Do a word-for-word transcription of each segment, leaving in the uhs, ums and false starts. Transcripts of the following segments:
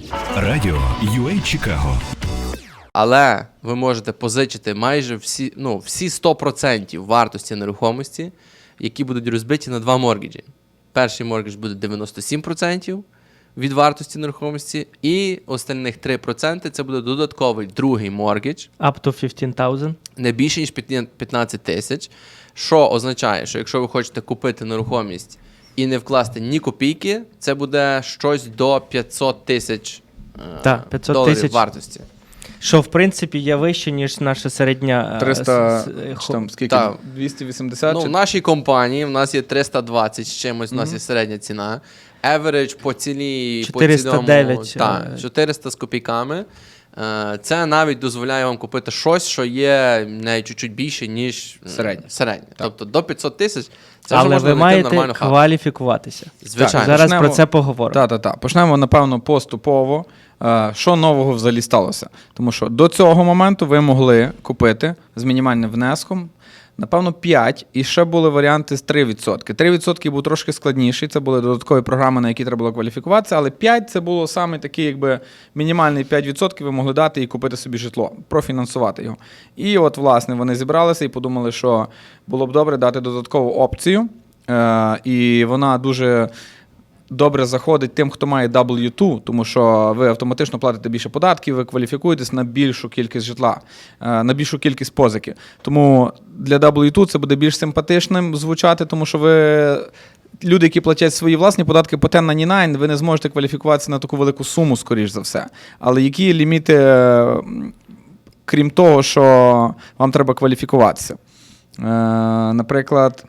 Радіо ю ей Чикаго. Але ви можете позичити майже всі, ну, всі сто відсотків вартості нерухомості, які будуть розбиті на два моргіджі. Перший моргідж буде дев'яносто сім відсотків від вартості нерухомості, і остальних три відсотки це буде додатковий другий моргідж. Up to fifteen thousand. Не більше, ніж п'ятнадцять тисяч, що означає, що якщо ви хочете купити нерухомість і не вкласти ні копійки, це буде щось до п'ятсот тисяч Так, п'ятсот доларів тисяч. вартості. Що, в принципі, є вище, ніж наша середня... е, триста, с- с- чи хо- там скільки? Так. двісті вісімдесят? Ну, чи- в нашій компанії в нас є триста двадцять з чимось, у нас є середня ціна. Average по цілій... чотириста дев'ять, По цілому, так, е. чотириста з копійками. Е, Це навіть дозволяє вам купити щось, що є навіть чуть-чуть більше, ніж м, Середнє. середнє. Тобто до п'ятсот тисяч це вже Але можна ви знайти маєте нормальну хату. кваліфікуватися. Звичайно. Так, Зараз почнемо- про це поговоримо. Так, так, так. Почнемо, напевно, поступово. Е, Що нового взагалі сталося? Тому що до цього моменту ви могли купити з мінімальним внеском, напевно, п'ять, і ще були варіанти з три відсотки. три відсотки був трошки складніший, це були додаткові програми, на які треба було кваліфікуватися, але п'ять це було саме такий, якби мінімальний п'ять відсотків ви могли дати і купити собі житло, профінансувати його. І от, власне, вони зібралися і подумали, що було б добре дати додаткову опцію, е, і вона дуже добре заходить тим, хто має дабл ю два, тому що ви автоматично платите більше податків, ви кваліфікуєтесь на більшу кількість житла, е, на більшу кількість позики. Тому для дабл ю два це буде більш симпатичним звучати, тому що ви... Люди, які платять свої власні податки по тен найнті найн, ви не зможете кваліфікуватися на таку велику суму, скоріш за все. Але які ліміти, е, крім того, що вам треба кваліфікуватися? Е, Наприклад,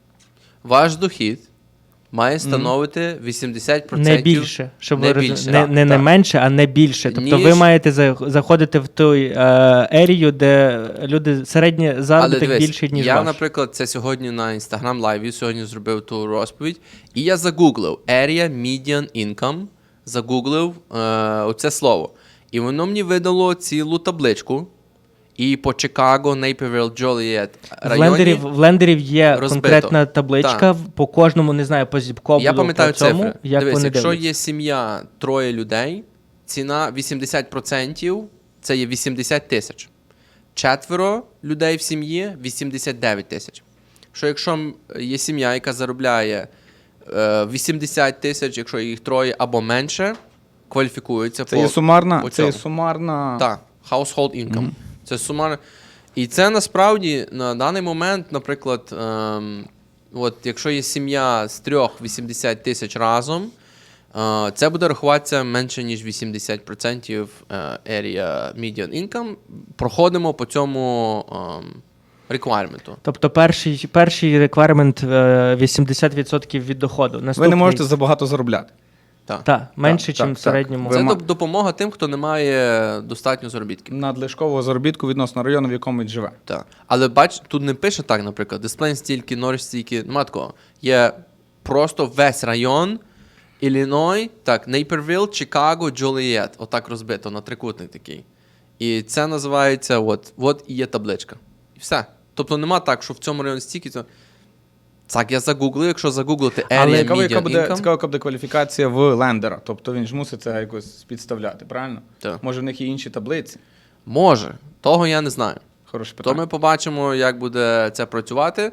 Ваш дохід має становити вісімдесят відсотків. Не більше, щоб Не ви розуміли. більше, Не, так, не, не так. менше, а не більше. Тобто Ніж- ви маєте за- заходити в той е, ерію, де люди середній Але заробіток дивись, більший, ніж я, ваш. наприклад, це сьогодні на Instagram Live сьогодні зробив ту розповідь, і я загуглив Area Median Income, загуглив е, оце слово. І воно мені видало цілу табличку, і по Чикаго, Нейпервіл, Джолієт В районі. лендерів, в лендерів є розбито. конкретна табличка, Так. по кожному, не знаю, по зіпкоблу, Я пам'ятаю по цьому, цифри. як Дивись, вони якщо дивляться. є сім'я, троє людей, ціна вісімдесят відсотків це є вісімдесят тисяч. Четверо людей в сім'ї – вісімдесят дев'ять тисяч. Що якщо м, є сім'я, яка заробляє е, вісімдесят тисяч, якщо їх троє або менше, кваліфікуються це по, є сумарна, по це є цьому. сумарна... Так, household income. Це сумарно. І це насправді на даний момент, наприклад, ем, от якщо є сім'я з трьох вісімдесят тисяч разом, е, це буде рахуватися менше, ніж вісімдесят відсотків е, area median income. Проходимо по цьому ем, requirement. Тобто перший, перший реквайрмент е, вісімдесят відсотків від доходу. Ви Наступний, не можете забагато заробляти. Так. Так, менше, так, ніж в так. середньому. Ви Це ма- доп- допомога тим, хто не має достатньо заробітків. Надлишкового заробітку відносно району, в якому він живе. Так. Але бач, тут не пише так, наприклад, дисплей стільки, Норріч стільки, нема такого. Є просто весь район, Ілліной, так, Нейпервіл, Чикаго, Джолієт. Отак розбито на трикутник такий. І це називається, от, от і є табличка. І все. Тобто нема так, що в цьому районі стільки, то... Так, я загуглив, якщо загуглити Але Area цікаво, яка Median буде, Income. цікаво, яка буде кваліфікація в лендера. Тобто він ж мусить це якось підставляти, правильно? Так. Може, в них є інші таблиці? Може. Того я не знаю. Хороше То питання. ми побачимо, як буде це працювати.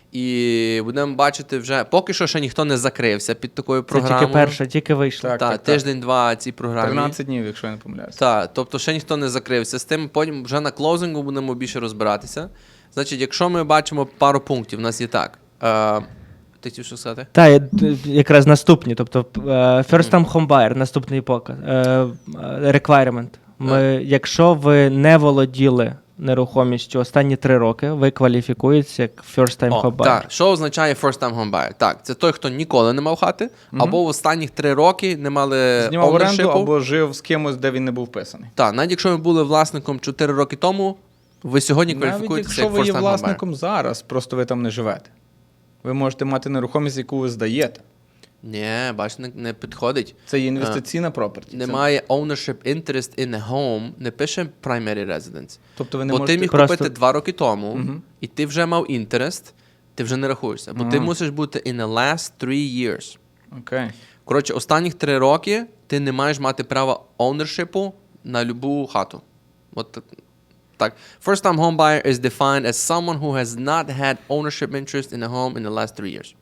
І будемо бачити вже, поки що ще ніхто не закрився під такою Це програмою. тільки перша, тільки вийшла. Так, Та, так, так. тиждень-два цій програмі. тринадцять днів, якщо я не помиляюся. Так, тобто ще ніхто не закрився з тим, потім вже на клоузингу будемо більше розбиратися. Значить, якщо ми бачимо пару пунктів, у нас є так. Е, ти хотів що сказати? Так, я- д- якраз наступні. Тобто е, First Time Home Buyer, наступний показ. е, е, Requirement. Ми, якщо ви не володіли нерухомістю останні три роки, ви кваліфікуєтеся як First Time О, Home Buyer. так, що означає first time home buyer? Так, це той, хто ніколи не мав хати, або в останніх три роки не мали Знімав оренду ownership-у. або жив з кимось, де він не був вписаний. Так, навіть якщо ви були власником чотири роки тому, ви сьогодні Навіть кваліфікуєтеся якщо як ви є first time home buyer. власником зараз, просто ви там не живете. Ви можете мати нерухомість, яку ви здаєте. Ні, бач, не, не підходить. Це є інвестиційна property. Немає ownership interest in a home, не пише primary residence. Тобто ви не Бо можете... ти міг Просто- купити два роки тому, і ти вже мав інтерест, ти вже не рахуєшся. Бо ти Ага. мусиш бути in the last three years. Окей. Коротше, останніх три роки ти не маєш мати права ownership на любу хату. От так. First time home buyer is defined as someone who has not had ownership interest in a home in the last three years.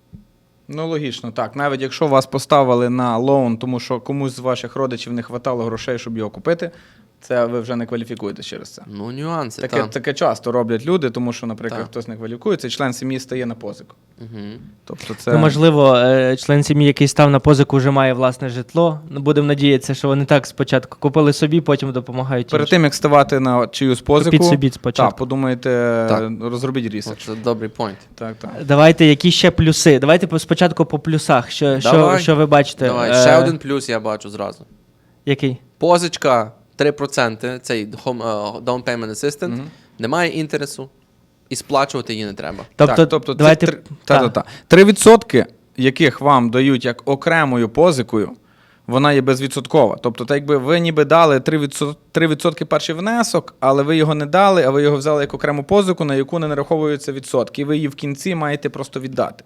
Ну, логічно, так. Навіть якщо вас поставили на лоун, тому що комусь з ваших родичів не хватало грошей, щоб його купити, це ви вже не кваліфікуєтесь через це. Ну, нюанси, Таке, так. таке часто роблять люди, тому що, наприклад, Так. хтось не кваліфікується, і член сім'ї стає на позику. Угу. Тобто це... Ну, можливо, е, член сім'ї, який став на позику, вже має власне житло. Ну, будемо надіятися, що вони так спочатку купили собі, потім допомагають Перед іншим. тим, як ставати на чиюсь позику, Купіть собі спочатку. так, подумайте, Так. розробіть ресерч. Це добрий point. Так, так. Давайте, які ще плюси? Давайте по- спочатку по плюсах. Що, що, Давай. що ви бачите? Давай, Е, ще один плюс я бачу зразу. Який? Позичка три відсотки, цей home, uh, down payment assistant, Мгм. немає інтересу, і сплачувати її не треба. Тобто, так, тобто давайте... це три, та, та, та. три відсотки, яких вам дають як окремою позикою, вона є безвідсоткова. Тобто, так якби ви ніби дали три відсотки, три відсотки перший внесок, але ви його не дали, а ви його взяли як окрему позику, на яку не нараховуються відсотки. І ви її в кінці маєте просто віддати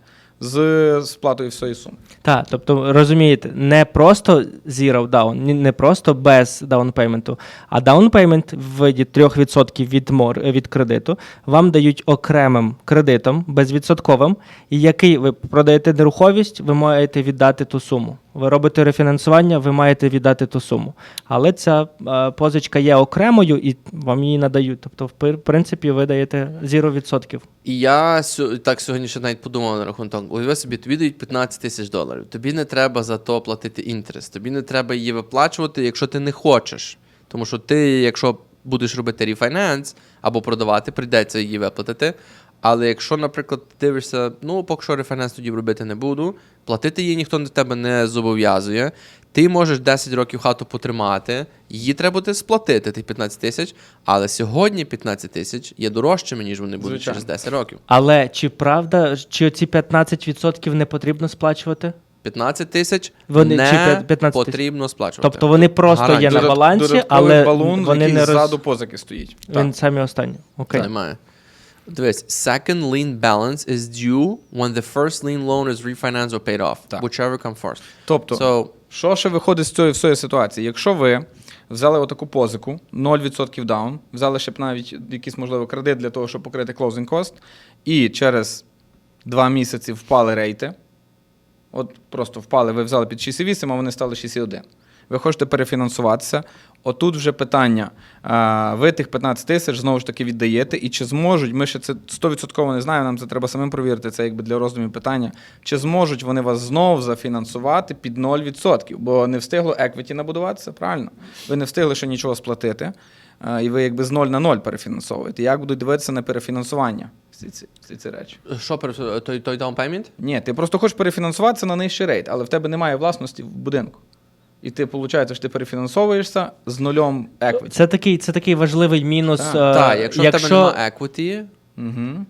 з сплатою всієї суми. Так, тобто, розумієте, не просто zero down, ні- не просто без даунпейменту, а даунпеймент в виді три відсотки від, мор, від кредиту вам дають окремим кредитом, безвідсотковим, і який ви продаєте нерухомість, ви маєте віддати ту суму. Ви робите рефінансування, ви маєте віддати ту суму. Але ця е, позичка є окремою і вам її надають. Тобто, в пер- принципі, ви даєте зero відсотків. І я сьо- так сьогодні ще навіть подумав на рахунок того, уяви собі, тобі дають п'ятнадцять тисяч доларів, тобі не треба за то платити інтерес, тобі не треба її виплачувати, якщо ти не хочеш. Тому що ти, якщо будеш робити рефайнанс або продавати, прийдеться її виплатити. Але якщо, наприклад, ти дивишся, ну, поки що рефайнанс тоді робити не буду, платити її ніхто на тебе не зобов'язує, ти можеш десять років хату потримати, її треба буде сплатити, тих п'ятнадцять тисяч, але сьогодні п'ятнадцять тисяч є дорожчими, ніж вони будуть Звичайно. через десять років. Але чи правда, чи оці п'ятнадцять відсотків не потрібно сплачувати? п'ятнадцять тисяч Вони- не чи п'ятнадцять тисяч? потрібно сплачувати. Тобто вони просто Гарантія. є на Додат- балансі, додатковий але балун, вони який не роз... ззаду позики стоїть. Він самі останні. Окей. Немає. Дивись, second lien balance is due when the first lien loan is refinanced or paid off, Так. whichever comes first. Тобто, So, що ще виходить з цієї всієї ситуації? Якщо ви взяли отаку позику, нуль відсотків даун, взяли ще б навіть якийсь, можливо, кредит для того, щоб покрити closing cost, і через два місяці впали рейти, от просто впали, ви взяли під шість цілих вісім, а вони стали шість цілих один. Ви хочете перефінансуватися, отут вже питання, а, ви тих п'ятнадцять тисяч знову ж таки віддаєте, і чи зможуть, ми ще це сто відсотків не знаємо, нам це треба самим провірити, це якби для роздумів питання, чи зможуть вони вас знову зафінансувати під нуль відсотків, бо не встигло еквіті набудуватися, правильно? Ви не встигли ще нічого сплатити, а, і ви якби з нуль на нуль перефінансовуєте. Як будуть дивитися на перефінансування всі ці, всі ці речі? що пере- той, той down payment? Ні, ти просто хочеш перефінансуватися на нижчий рейт, але в тебе немає власності в будинку. І ти, виходить, що ти перефінансовуєшся з нульом еквіті. Це такий, це такий важливий мінус. Так. е, Так, якщо, в тебе немає equity, Угу.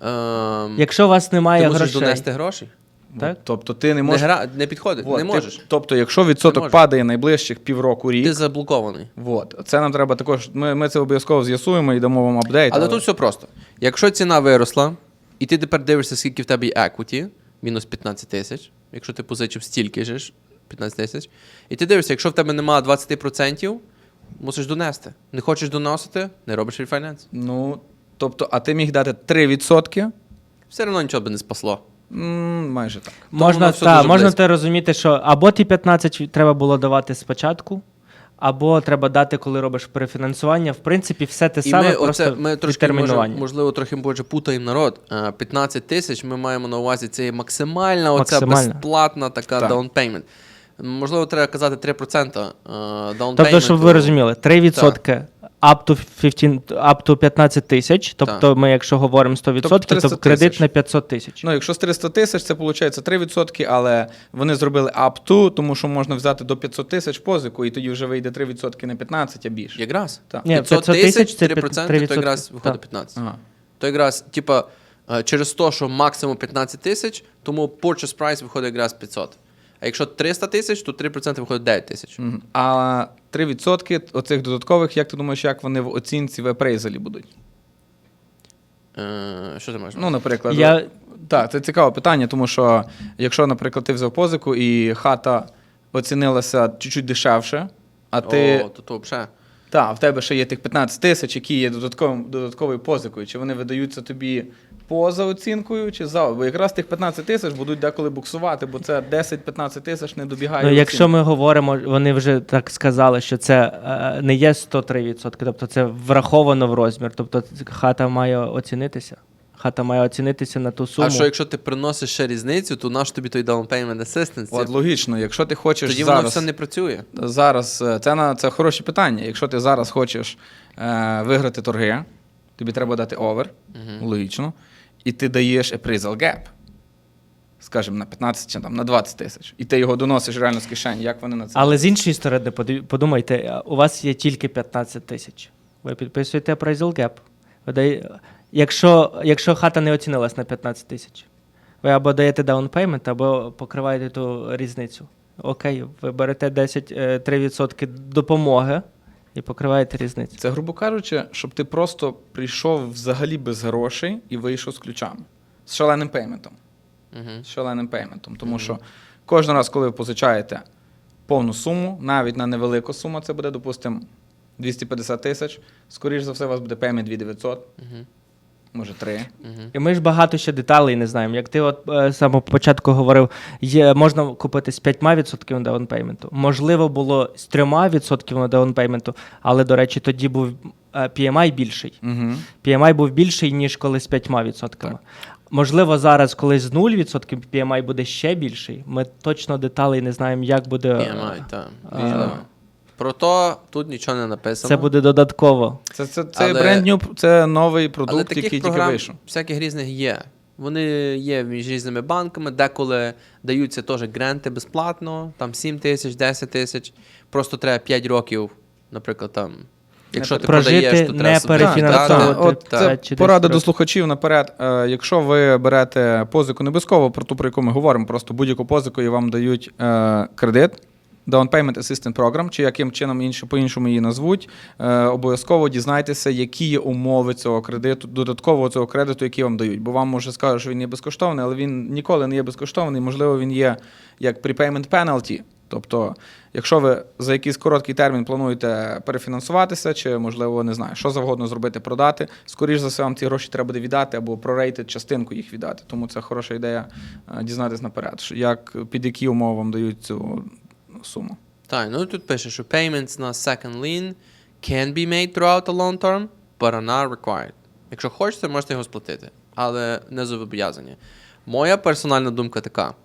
ем, якщо у вас немає ти мусиш грошей, донести гроші. так? Тобто ти не Не, можеш. гра... не підходить, Вот, не ти- можеш. Тобто, якщо відсоток можеш. падає найближчих півроку рік, Ти заблокований. вот, це нам треба також. Ми, ми це обов'язково з'ясуємо і дамо вам апдейт. Але тут все просто. Якщо ціна виросла, і ти тепер дивишся, скільки в тебе є equity, мінус п'ятнадцять тисяч, якщо ти позичив стільки ж, п'ятнадцять тисяч, і ти дивишся, якщо в тебе немає двадцять відсотків, мусиш донести. Не хочеш доносити, не робиш рефайнанс. Ну, тобто, а ти міг дати три відсотки? Все одно нічого би не спасло. М, майже так. Можна, воно все та, дуже можна близько. те розуміти, що або ті п'ятнадцять треба було давати спочатку, або треба дати, коли робиш перефінансування. В принципі, все те І саме, ми, просто оце, ми трошки, може, відтермінування. можливо, трохи більше путаємо народ. Е, п'ятнадцять тисяч ми маємо на увазі, це є максимальна, оця Максимальна. безплатна така Так. down payment. Можливо, треба казати три відсотки е, down Тобто, щоб ви payment. розуміли, три відсотки up to, п'ятнадцять, up to п'ятнадцять тисяч, тобто ми, якщо говоримо сто відсотків, триста то кредит тисяч. на п'ятсот тисяч. Ну, якщо з триста тисяч, це виходить три відсотки, але вони зробили up to, тому що можна взяти до п'ятсот тисяч позику, і тоді вже вийде три відсотки на п'ятнадцять, а більше. Якраз. Так. Ні, п'ятсот п'ятсот тисяч тисяч, це три відсотки, то відсотки. якраз виходить Так. п'ятнадцять. Ага. То якраз, типа, е, через те, що максимум п'ятнадцять тисяч, тому purchase price виходить якраз п'ятсот. А якщо триста тисяч, то три відсотки виходить дев'ять тисяч. Мгм. А три відсотки оцих додаткових, як ти думаєш, як вони в оцінці в апрейзалі будуть? Е, що ти маєш? Ну, наприклад, Я- так, це цікаве питання, тому що якщо, наприклад, ти взяв позику і хата оцінилася чуть-чуть дешевше, а ти... О, то то взагалі. Так, в тебе ще є тих п'ятнадцять тисяч, які є додатковим, додатковою позикою. Чи вони видаються тобі поза оцінкою, чи за? Бо якраз тих п'ятнадцять тисяч будуть деколи буксувати, бо це десять-п'ятнадцять тисяч не добігає. Ну, оцінки. якщо ми говоримо, вони вже так сказали, що це е, не є сто три відсотки, тобто це враховано в розмір. Тобто хата має оцінитися. Хата має оцінитися на ту суму. А що якщо ти приносиш ще різницю, то наш тобі той down payment assistance? От логічно, якщо ти хочеш Тоді зараз... воно все не працює. Зараз, е, це, на, це хороше питання. Якщо ти зараз хочеш е, виграти торги, тобі треба дати овер, Мгм. логічно, і ти даєш appraisal gap, скажімо, на п'ятнадцять чи там, на двадцять тисяч, і ти його доносиш реально з кишені, як вони на це. Але з іншої сторони, поди- подумайте, у вас є тільки п'ятнадцять тисяч. Ви підписуєте appraisal gap. Ви дає... якщо, якщо хата не оцінилась на п'ятнадцять тисяч, ви або даєте down payment, або покриваєте ту різницю. Окей, ви берете десять три відсотки допомоги і покриваєте різницю. Це, грубо кажучи, щоб ти просто прийшов взагалі без грошей і вийшов з ключами. З шаленим пейментом. Угу. З шаленим пейментом. Тому що кожен раз, коли ви позичаєте повну суму, навіть на невелику суму, це буде, допустимо, двісті п'ятдесят тисяч, скоріш за все, у вас буде пеймент дві тисячі дев'ятсот, Угу. може три. Угу. І ми ж багато ще деталей не знаємо. Як ти от е, з самого початку говорив, є, можна купити з п'ять відсотків даунпейменту. Можливо, було з три відсотки даунпейменту, але, до речі, тоді був е, пі ем ай більший. Угу. пі ем ай був більший, ніж коли з п'ять відсотками. Можливо, зараз, коли з нуль відсотків пі ем ай буде ще більший. Ми точно деталей не знаємо, як буде. пі ем ай, так. а, Можливо. Про то тут нічого не написано. Це буде додатково. Це, це, це, Але- бренд new, це новий Але продукт, таких який тільки програм вийшов. всяких різних є. Вони є між різними банками, деколи даються теж гранти безплатно, там сім тисяч, десять тисяч. Просто треба п'ять років, наприклад, там. Якщо ти Прожити, продаєш, то не треба собі- перефінансовувати. Так, так, От так. це п'ять чи порада десять до років. слухачів наперед. Е, якщо ви берете позику не обов'язково про ту, про яку ми говоримо, просто будь-яку позику і вам дають е, кредит, Down Payment Assistance Program, чи яким чином інше, по-іншому її назвуть, е, обов'язково дізнайтеся, які є умови цього кредиту, додаткового цього кредиту, який вам дають. Бо вам може скажуть, що він є безкоштовний, але він ніколи не є безкоштовний. Можливо, він є як prepayment penalty. Тобто, якщо ви за якийсь короткий термін плануєте перефінансуватися, чи, можливо, не знаю, що завгодно зробити, продати, скоріш за все, вам ці гроші треба буде віддати або прорейтити частинку їх віддати. Тому це хороша ідея е, дізнатися наперед, що як, під які умови вам дають цю суму. Так, ну тут пише, що payments на second lien can be made throughout the long term, but are not required. Якщо хочете, можете його сплатити, але не зобов'язані. Моя персональна думка така.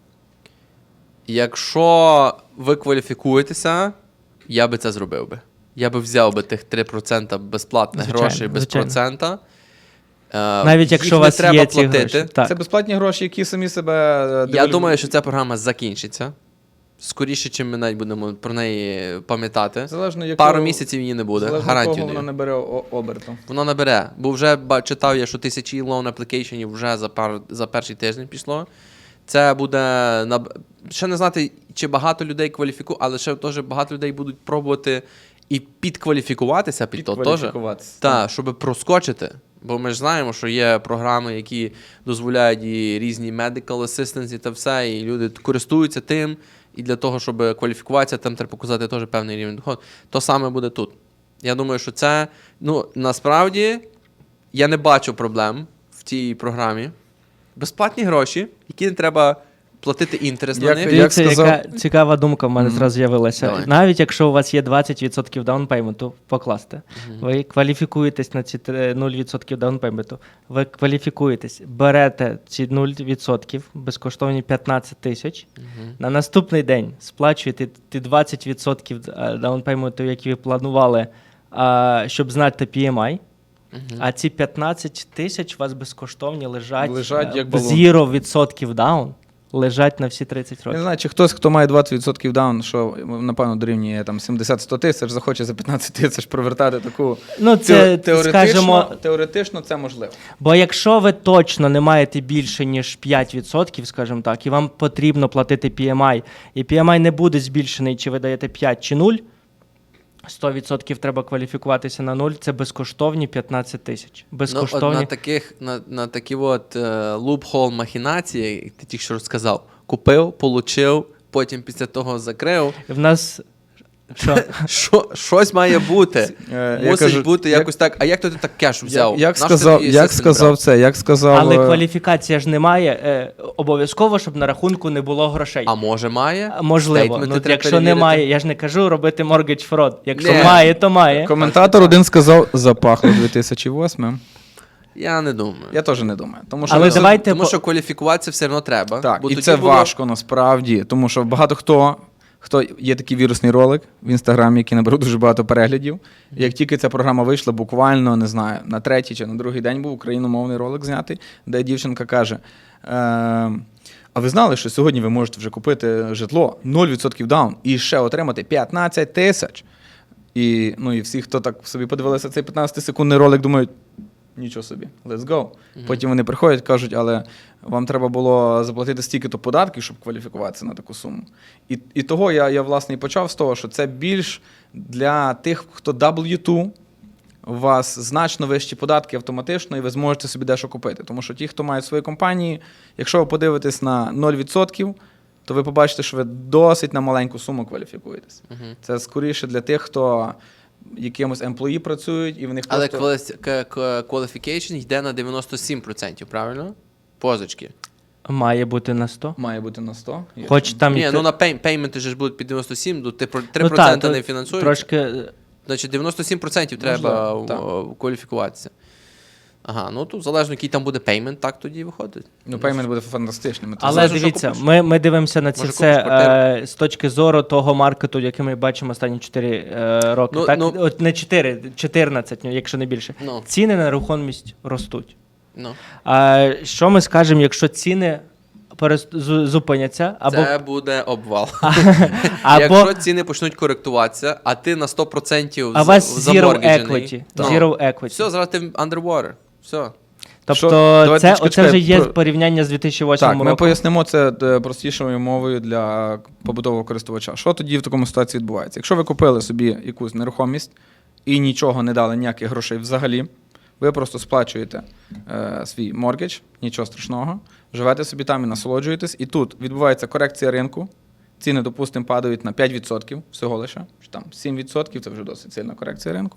Якщо ви кваліфікуєтеся, я би це зробив би. Я би взяв би тих три відсотки безплатних Звичайно, грошей без звичайно. процента. Е, Навіть їх якщо у не вас треба є ці платити. гроші. Так. Це безплатні гроші, які самі себе... е, Я девальву- думаю, що ця програма закінчиться. Скоріше, чим ми навіть будемо про неї пам'ятати. Залежно, якого, Пару місяців її не буде, залежно гарантію кого вона даю. не бере о- оберту. Воно набере. Бо вже ба- читав я, що тисячі loan applicationів вже за, пар, за перший тиждень пішло. Це буде... наб- Ще не знати, чи багато людей кваліфікують, але ще теж багато людей будуть пробувати і підкваліфікуватися під то теж. Підкваліфікуватися. Так, щоб проскочити. Бо ми ж знаємо, що є програми, які дозволяють і різні medical assistance і та все, і люди користуються тим. І для того, щоб кваліфікуватися, там треба показати теж певний рівень доходу. То саме буде тут. Я думаю, що це, ну, насправді, я не бачу проблем в цій програмі. Безплатні гроші, які не треба платити інтерес на Як- них. як Дивіться, сказав- яка цікава думка в мене Мгм. зразу з'явилася. Давай. Навіть якщо у вас є двадцять відсотків даунпейменту, покласти, ви кваліфікуєтесь на ці три- нуль відсотків даунпейменту, ви кваліфікуєтесь, берете ці нуль відсотків, безкоштовні п'ятнадцять тисяч, Мгм. на наступний день сплачуєте ті двадцять відсотків е, даунпейменту, які ви планували, а, щоб знати пі ем ай, Мгм. а ці п'ятнадцять тисяч у вас безкоштовні лежать, Лежать е, як в балон. зіро відсотків даун, лежать на всі тридцять Я років. не знаю, чи хтось, хто має двадцять відсотків даун, що, напевно, дорівнює там сімдесят-сто тисяч, захоче за п'ятнадцять тисяч провертати таку... Ну, це, Тео- теоретично, скажімо, теоретично це можливо. бо якщо ви точно не маєте більше, ніж п'ять відсотків, скажімо так, і вам потрібно платити пі ем ай, і пі ем ай не буде збільшений, чи ви даєте п'ять чи нуль, сто відсотків треба кваліфікуватися на нуль, це безкоштовні п'ятнадцять тисяч. Ну, Безкоштовні. от на таких, на, на такі от е, лупхол махінації, як ти тільки що розказав, купив, получив, потім після того закрив. В нас що? Що, щось має бути. Е, я Мусить кажу, бути як- якось так. А як то ти так кеш взяв? Як, як Наш ти сказав, тоді як system сказав брав? це, як сказав... Але е, кваліфікація ж немає. Е, обов'язково, щоб на рахунку не було грошей. А може має? Можливо. Стейтменти Ну, треба якщо перевірити. немає, я ж не кажу робити mortgage fraud. Якщо Ні. має, то має. Коментатор один сказав, запахло дві тисячі восьмим. Я не думаю. Я теж не думаю. Тому що, Але ви- давайте Тому по- що кваліфікуватися все одно треба. Так, бо і тоді це було- важко насправді, тому що багато хто, хто є такий вірусний ролик в інстаграмі, який наберу дуже багато переглядів. І як тільки ця програма вийшла, буквально не знаю, на третій чи на другий день був україномовний ролик знятий, де дівчинка каже: е, а ви знали, що сьогодні ви можете вже купити житло нуль відсотків даун і ще отримати п'ятнадцять тисяч. І, ну, і всі, хто так собі подивилися цей п'ятнадцятисекундний ролик, думають, нічого собі, let's go. Потім вони приходять, кажуть, але вам треба було заплатити стільки-то податків, щоб кваліфікуватися на таку суму. І, і того я, я, власне, і почав з того, що це більш для тих, хто дабл ю два, у вас значно вищі податки автоматично, і ви зможете собі дещо купити. Тому що ті, хто мають свої компанії, якщо ви подивитесь на нуль відсотків, то ви побачите, що ви досить на маленьку суму кваліфікуєтесь. Мгм. Це скоріше для тих, хто якимось емплої працюють, і в них Але просто... quali- к- к- qualification йде на дев'яносто сім відсотків, правильно? Позички. Має бути на сто. Має бути на сто. Хоч там Ні, і ну те- на пей- пейменти ж будуть під дев'яносто сім, то ти про- три Ну, відсотки та, не то фінансують. Трошки е, Значить, дев'яносто сім відсотків треба Можливо, так. о, кваліфікуватися. Ага, ну тут залежно, який там буде пеймент, так тоді виходить. Ну, пеймент буде фантастичним. Це Але залежно, що дивіться, купиш. ми, ми дивимося на це Може, все купиш квартиру? е, з точки зору того маркету, який ми бачимо останні чотири е, роки. Ну, так? ну- От не чотири, чотирнадцять, ну, якщо не більше. Ну. Ціни на нерухомість ростуть. Ну. А що ми скажемо, якщо ціни перест- зу- зупиняться, або, Це буде обвал. або Якщо ціни почнуть коректуватися, а ти на сто відсотків а у вас zero заморгіджений, equity. то Zero equity. все, зараз ти underwater. Все. Тобто Що? Давайте, це, чекай, оце вже чекай, є про- порівняння з дві тисячі восьмим Так, ми роком. пояснимо це е, простішою мовою для побутового користувача. Що тоді в такому ситуації відбувається? Якщо ви купили собі якусь нерухомість і нічого не дали, ніяких грошей взагалі, ви просто сплачуєте е, свій моргідж, нічого страшного, живете собі там і насолоджуєтесь, і тут відбувається корекція ринку, ціни, допустимо, падають на п'ять відсотків всього лише, чи там сім відсотків, це вже досить сильна корекція ринку.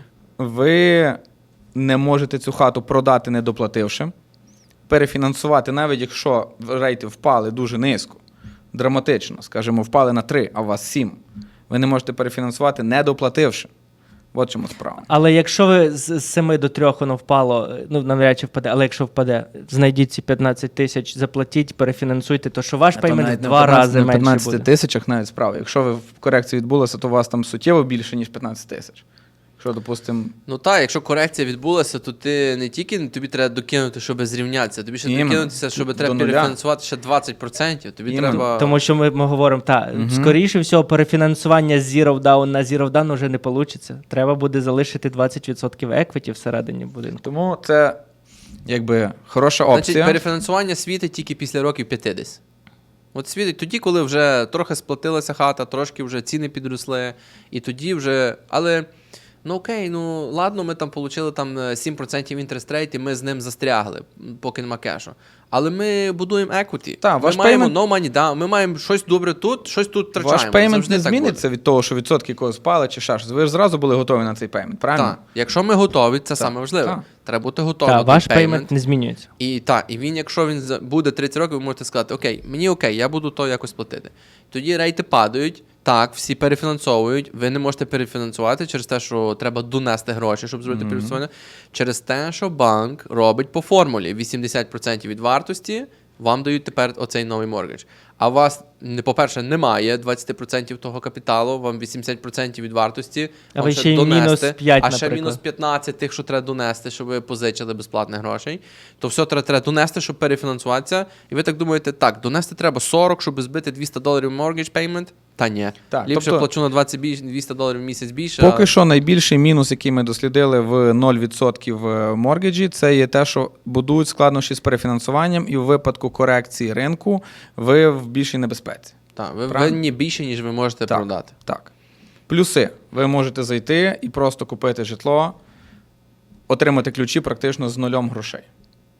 Ви не можете цю хату продати, не доплативши, перефінансувати, навіть якщо рейти впали дуже низько, драматично, скажімо, впали на три, а у вас сім, ви не можете перефінансувати, не доплативши. От чому справа. Але якщо ви з з семи до трьох воно впало, ну навряд чи впаде, але якщо впаде, знайдіть ці п'ятнадцять тисяч, заплатіть, перефінансуйте, то що ваш То пеймент в навіть два на п'ятнадцять рази на менше п'ятнадцяти буде. тисячах навіть справа. Якщо ви в корекції відбулося, то у вас там суттєво більше, ніж п'ятнадцять тисяч. Якщо, допустимо, Ну так, якщо корекція відбулася, то ти не тільки тобі треба докинути, щоб зрівнятися, тобі ще Іменно. докинутися, щоб До треба нуля. перефінансувати ще двадцять відсотків. Тобі Іменно. треба. Тому що ми, ми говоримо, так, Мгм. скоріше всього, перефінансування з Zero Down на Zero Down вже не вийде. Треба буде залишити двадцять відсотків еквіті всередині будинку. тому це якби хороша опція. Значить, перефінансування світить тільки після років п'ятдесят. От світить тоді, коли вже трохи сплатилася хата, трошки вже ціни підросли, і тоді вже. Але ну окей, ну ладно, ми там отримали там сім відсотків інтерест рейт, і ми з ним застрягли, поки нема кешу. Але ми будуємо equity. Та, ми ваш маємо payment- no money down, ми маємо щось добре тут, щось тут втрачаємо. Ваш пеймент Завжди не так зміниться від того, що відсотки когось спали чи ще щось. Ви ж зразу були готові на цей пеймент, правильно? Так, якщо ми готові, це саме важливе. Так. Треба бути готовим. Так, до ваш payment. пеймент не змінюється. І так, і він, якщо він за- буде тридцять років, ви можете сказати, окей, мені окей, я буду то якось платити. Тоді рейти падають, так, всі перефінансовують, ви не можете перефінансувати через те, що треба донести гроші, щоб зробити mm-hmm. перефінансування, через те, що банк робить по формулі вісімдесят відсотків від вартості, вам дають тепер оцей новий моргідж. А у вас, не- по-перше, немає двадцять відсотків того капіталу, вам вісімдесят відсотків від вартості, А вам ви ще й мінус п'ять, а ще наприклад. мінус п'ятнадцять тих, що треба донести, щоб ви позичили безплатних грошей, то все треба, треба донести, щоб перефінансуватися. І ви так думаєте, так, донести треба сорок, щоб збити двісті доларів mortgage payment? Та ні. Так, Ліпше тобто- плачу на двадцять більше, двісті доларів в місяць більше. Поки а- що найбільший мінус, який ми дослідили в нуль відсотків моргіджі, це є те, що будують складнощі з перефінансуванням, і в випадку корекції ринку ви в більшій небезпеці. Так, ви Правильно? винні більше, ніж ви можете Так, продати. Так. Плюси. Ви можете зайти і просто купити житло, отримати ключі практично з нульом грошей.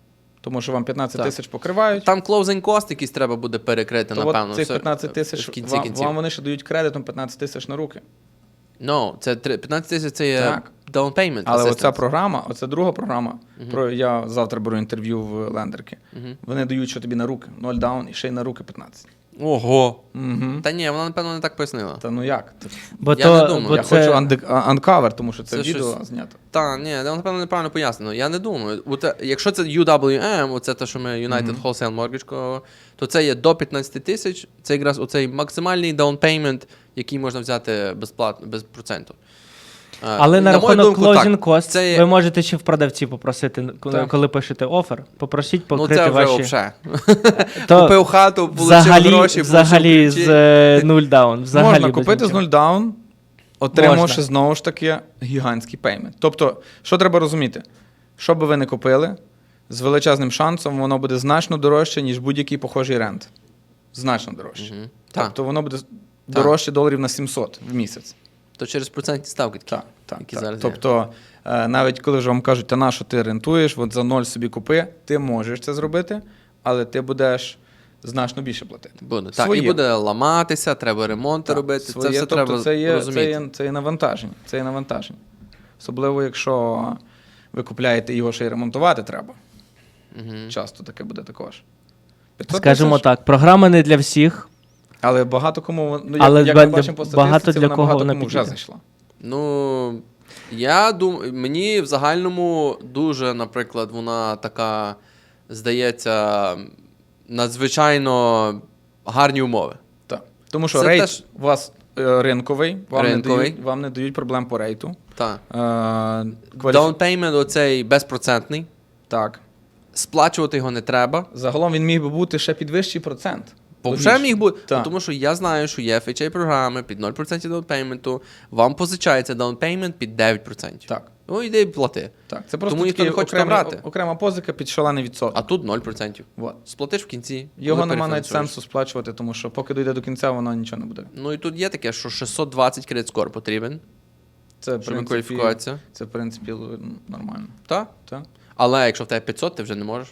тому що вам п'ятнадцять Так. тисяч покривають. Там closing cost якийсь треба буде перекрити, То напевно. от цих все п'ятнадцять в тисяч кінці вам, кінців. вам вони ще дають кредитом п'ятнадцять тисяч на руки. No, це три- п'ятнадцять тисяч це є Так. down payment. Але assistance. оця програма, оця друга програма, про я завтра беру інтерв'ю в лендерки. Вони дають, що тобі на руки, нуль даун і ще й на руки п'ятнадцять. Ого. Угу. Та ні, вона, напевно, не так пояснила. Та ну як? Бо Я то, не думаю. бо Я це... хочу анкавер, тому що це, Це відео щось- знято. Та, ні, вона, напевно, неправильно пояснено. Я не думаю. От, е, якщо це ю дабл ю ем, оце те, що ми United Wholesale Mortgage, то це є до п'ятнадцять тисяч. Це якраз оцей максимальний down payment, який можна взяти безплатно, без проценту. Е, Але на мою рахунок думку, closing так, cost це є- ви можете ще в продавці попросити, коли, Так. коли пишете офер, попросіть Ну, покрити це вже ваші... взагалі. То Купив хату, получив взагалі, гроші, взагалі получив з ключі. е, нуль даун. Взагалі Можна без купити з нічого. нуль даун, отримавши Можна. знову ж таки гігантський пеймент. Тобто, що треба розуміти? Що би ви не купили, з величезним шансом воно буде значно дорожче, ніж будь-який похожий рент. Значно дорожче. Мгм. Так. Тобто воно буде дорожче доларів на сімсот в місяць. То через процентні ставки такі, Так, так, які так. зараз є. Тобто, е, навіть коли вже вам кажуть, та на що ти рентуєш, от за ноль собі купи, ти можеш це зробити, але ти будеш значно більше платити. Буде. Так, Своє. і буде ламатися, треба ремонти робити. Своє, це все тобто треба це є, розуміти. це, є, це є навантаження. Це є навантаження. Особливо, якщо ви купляєте його ще й ремонтувати треба. Мгм. Часто таке буде також. п'ятсот Скажімо тисяч, так, програма не для всіх. Але багато кому, ну, Але як, як ба- ми бачимо по багато статистиці, для вона кого багато вона кому вже підійде. зайшла. Ну, я думаю, мені в загальному дуже, наприклад, вона така, здається, надзвичайно гарні умови. Так. Тому що Це рейт теж- у вас е, ринковий, вам, Ринковий. Не дають, вам не дають проблем по рейту. Так. Е, кваліфі- Down payment оцей безпроцентний. Так. Сплачувати його не треба. Загалом він міг би бути ще під вищий процент. Бо Логічно. вже міг бути. Так. Ну, тому що я знаю, що є еф ейч ей-програми під нуль відсотків down payment, вам позичається down payment під дев'ять відсотків. Так. Ну, йди і плати. Так. Це просто Тому ніхто не такий хоче окремий- брати. окрема позика під шалений відсоток. А тут нуль відсотків. Вот. Сплатиш в кінці. Його коли нема навіть перефінансуєш. сенсу сплачувати, тому що поки дійде до кінця, воно нічого не буде. Ну і тут є таке, що шістсот двадцять кредит скор потрібен, Це, в щоб принципі, кваліфікуватися. це, в принципі, л- нормально. Так? Так. Але якщо в тебе п'ятсот, ти вже не можеш.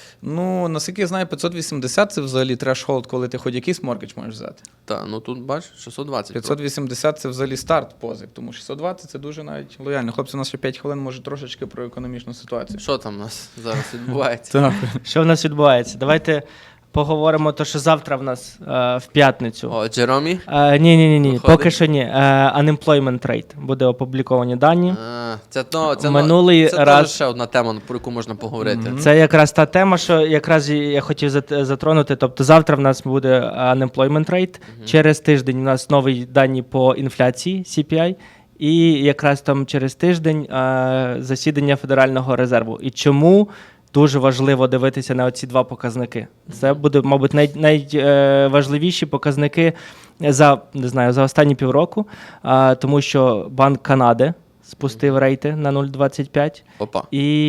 Ну, наскільки я знаю, п'ятсот вісімдесят це взагалі трешхолд, коли ти хоч якийсь моргідж можеш взяти. Так, ну тут бачиш, шістсот двадцять. п'ятсот вісімдесят це взагалі старт позик, тому шістсот двадцять це дуже навіть лояльно. Хлопці, у нас ще п'ять хвилин, може трошечки про економічну ситуацію. Що там у нас зараз відбувається? Так. Що в нас відбувається? Давайте поговоримо, то що завтра в нас е, в п'ятницю. О, Джеромі? Е, ні, ні, ні, ні. Виходить? Поки що ні. Е, unemployment rate. Буде опубліковані дані. А, це то, це, Минулий це раз- теж ще одна тема, про яку можна поговорити. Це якраз та тема, що якраз і я хотів зат- затронути. Тобто завтра в нас буде unemployment rate, через тиждень у нас нові дані по інфляції сі пі ай, і якраз там через тиждень е, засідання Федерального резерву. І чому дуже важливо дивитися на оці два показники? Це буде, мабуть, най, найважливіші показники за, не знаю, за останні півроку, е, тому що Банк Канади спустив рейти на нуль цілих двадцять п'ять. Опа.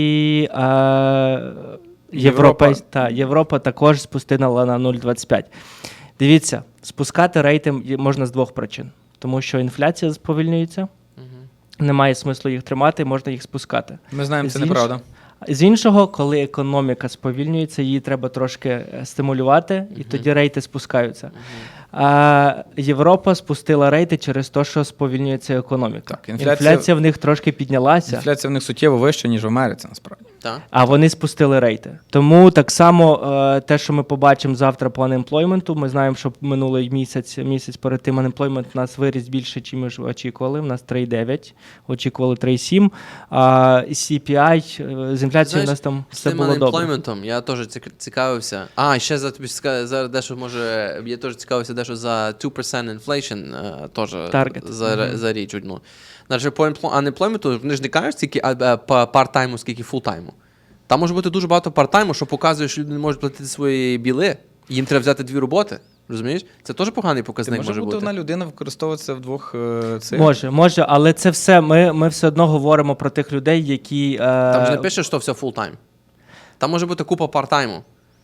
І е, Європа. Європа, та, Європа також спустила на нуль цілих двадцять п'ять. Дивіться, спускати рейти є- можна з двох причин. Тому що інфляція сповільнюється, немає смислу їх тримати, можна їх спускати. Ми знаємо, це З інш- неправда. З іншого, коли економіка сповільнюється, її треба трошки е, стимулювати, і тоді рейти спускаються. А Європа спустила рейти через те, що сповільнюється економіка. Так, інфляція- інфляція в них трошки піднялася. Інфляція в них суттєво вища, ніж в Америці, насправді. Так. А вони спустили рейти. Тому так само е, те, що ми побачимо завтра по анемплойменту, ми знаємо, що минулий місяць, місяць перед тим анемплоймент у нас виріс більше, ніж ми ж очікували. У нас три цілих дев'ять, очікували три цілих сім. А сі пі ай е, з інфляцією у нас там з все тим було добре. unemployment'ом я теж цік- цікавився. А, ще за тобі ска- зараз дещо може. Я теж цікавився дещо за two percent inflation, е, теж Target. за, mm-hmm. за річ одну. Значить, по emplo- unemployment'у вони ж не кажуть, скільки а, а, по part-тайму, скільки full-тайму. Там може бути дуже багато part-тайму, що показує, що люди не можуть платити свої біли. Їм треба взяти дві роботи. Розумієш? Це теж поганий Ти показник може може бути бути. одна людина використовуватися в двох е, цих. Може, може, але це все, ми, ми все одно говоримо про тих людей, які... Е, Там ж не пише, що все full-time. Там може бути купа part-тайму.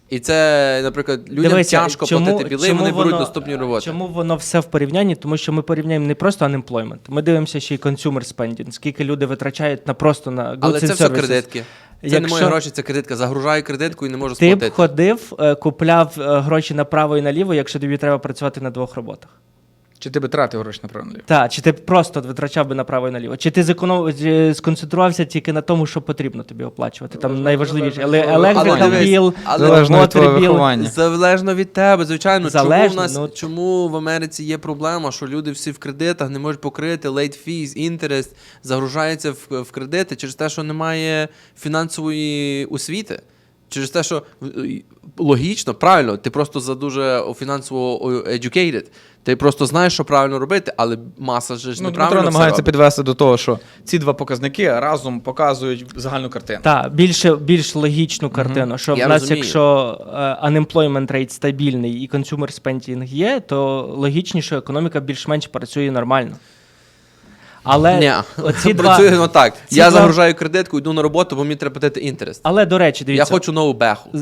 І це, наприклад, людям Дивися, тяжко чому- платити білий, чому вони беруть воно- наступні роботи. Чому воно все в порівнянні? Тому що ми порівняємо не просто unemployment, ми дивимося ще й consumer spending, скільки люди витрачають на просто на goods Але and це все services. кредитки. Це Якщо- не мої гроші, це кредитка. Загружаю кредитку і не можу Ти б сплатити. ходив, е, купляв е, гроші направо і наліво, якщо тобі треба працювати на двох роботах. Чи ти би тратив гроші направо? Так, чи ти просто витрачав би направо і наліво? Чи ти зеконом... чи сконцентрувався тільки на тому, що потрібно тобі оплачувати? Там Залежно- найважливіше. залежно від Але твого електрика виховання. біл, Але- Залежно від твого water bill. виховання. Залежно від тебе, звичайно. Залежно, чому в нас ну- чому в Америці є проблема, що люди всі в кредитах не можуть покрити late fees, interest, загружаються в, в кредити через те, що немає фінансової освіти. Через те, що е, логічно, правильно, ти просто за дуже фінансово educated. Ти просто знаєш, що правильно робити, але маса ж Ну, неправильно Дмитро все намагається робить. підвести до того, що ці два показники разом показують загальну картину. Так, більше, більш логічну картину, що Я в нас, розумію. якщо е, unemployment rate стабільний і consumer spending є, то логічніше, що економіка більш-менш працює нормально. Але Ні, оці два... працює ну так. ці Я два- загружаю кредитку, йду на роботу, бо мені треба платити інтерес. Але, до речі, Я дивіться, хочу нову беху.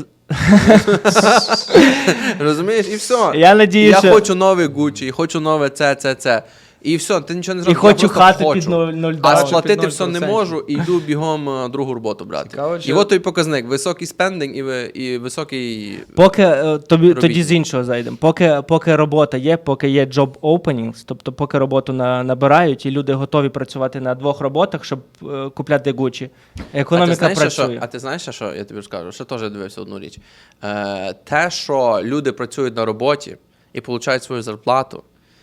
Розумієш? І все. я надію, Я що... хочу новий Gucci, і хочу нове це, це, це. І все, ти нічого не І зробиш. хочу я просто хату хочу. під нуль- нуль А доларів. сплатити Під все не нуль можу, і йду бігом е, другу роботу брати. Цікаво, І чи- от той показник. Високий спендинг і, ви- і високий... Поки е, тобі Робіть. тоді з іншого зайдемо. Поки, поки робота є, поки є job openings, тобто поки роботу на, набирають, і люди готові працювати на двох роботах, щоб е, купляти Gucci. Економіка а ти знаєш, працює. Що, а ти знаєш, що я тобі скажу? Ще теж дивився одну річ. Е, те, що люди працюють на роботі і получають свою зарплату,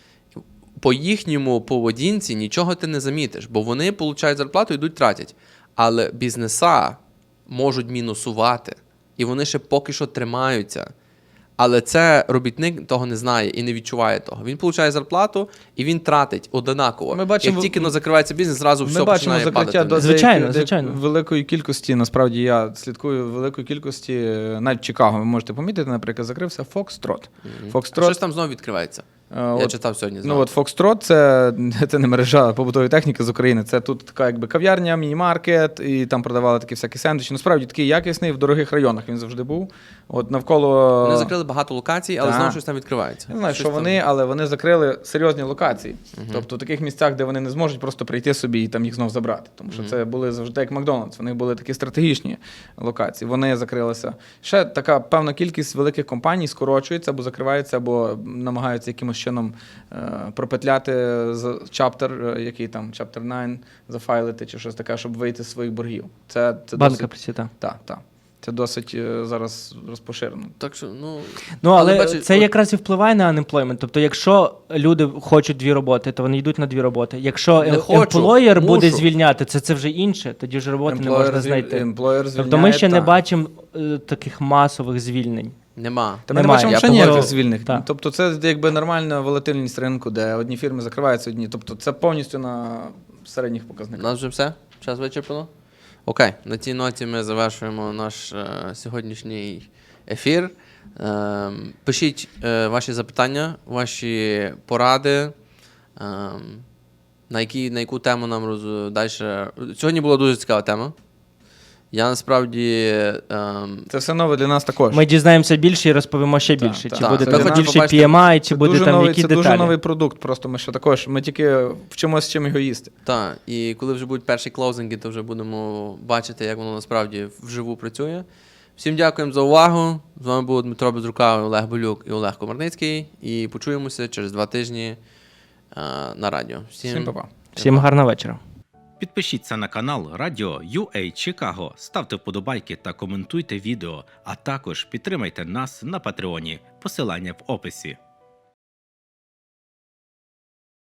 по їхньому поведінці нічого ти не замітиш, бо вони получають зарплату і йдуть тратять. Але бізнеса можуть мінусувати, і вони ще поки що тримаються. Але це робітник того не знає і не відчуває того. Він получає зарплату і він тратить однаково. Ми бачимо- Як тільки но закривається бізнес, зразу Ми все бачимо починає закриття падати. до вниз. Звичайно, деякої- звичайно. великої кількості. Насправді я слідкую великої кількості, е, навіть в Чикаго. Ви можете помітити, наприклад, закрився Foxtrot. А Foxtrot щось там знову відкривається. е, Я от- читав сьогодні. Ну знову. от Foxtrot це, це не мережа побутової техніки з України. Це тут така якби кав'ярня, міні-маркет, і там продавали такі всякі сендвічі. Насправді такий якісний в дорогих районах він завжди був. От навколо Вони закрили багато локацій, але Так. знову щось там відкривається. Я не знаю, Щось що там- вони, але вони закрили серйозні локації. Тобто в таких місцях, де вони не зможуть просто прийти собі і там їх знов забрати. Тому що це були завжди як Макдональдс. Вони були такі стратегічні локації. Вони закрилися. Ще така певна кількість великих компаній скорочується або закривається, або намагаються якимось чином е, пропетляти з чаптер, е, який там чаптер дев'ять, зафайлити чи щось таке, щоб вийти з своїх боргів. Це, це Банка досить, присіта. так, так. Це досить е, зараз розпоширено. Так що, ну... Ну, але, бачиш, це от- якраз і впливає на unemployment. Тобто, якщо люди хочуть дві роботи, то вони йдуть на дві роботи. Якщо Не em- хочу, employer буде мушу. звільняти, це, це вже інше, тоді ж роботи не можна звіль- знайти. employer Тобто ми звільняє, ще не так. бачимо е, таких масових звільнень. Нема. Та ми не Немає. бачимо Я ще ніяких погоджуюсь. звільних. Так. Тобто це якби нормальна волатильність ринку, де одні фірми закриваються, одні. Тобто це повністю на середніх У показниках. нас вже все? Час вичерпано? Окей, на цій ноті ми завершуємо наш е, сьогоднішній ефір. Е, пишіть е, ваші запитання, ваші поради, е, на, які, на яку тему нам роз... далі. Сьогодні була дуже цікава тема. Я насправді. Е, Це все нове для нас також. Ми дізнаємося більше і розповімо ще Так, більше. так. Чи Так, буде це там ви більше побачите- пі ем ай, чи Це буде дуже там новий, які це деталі. дуже новий продукт. Просто ми ще також. Ми тільки вчимося чим його їсти. Так, і коли вже будуть перші клоузинги, то вже будемо бачити, як воно насправді вживу працює. Всім дякуємо за увагу. З вами був Дмитро Безрукавий, Олег Болюк і Олег Комарницький. І почуємося через два тижні а, на радіо. Всім па-па. Всім гарного вечора. Підпишіться на канал Радіо ю ей Чикаго, ставте вподобайки та коментуйте відео, а також підтримайте нас на Патреоні. Посилання в описі.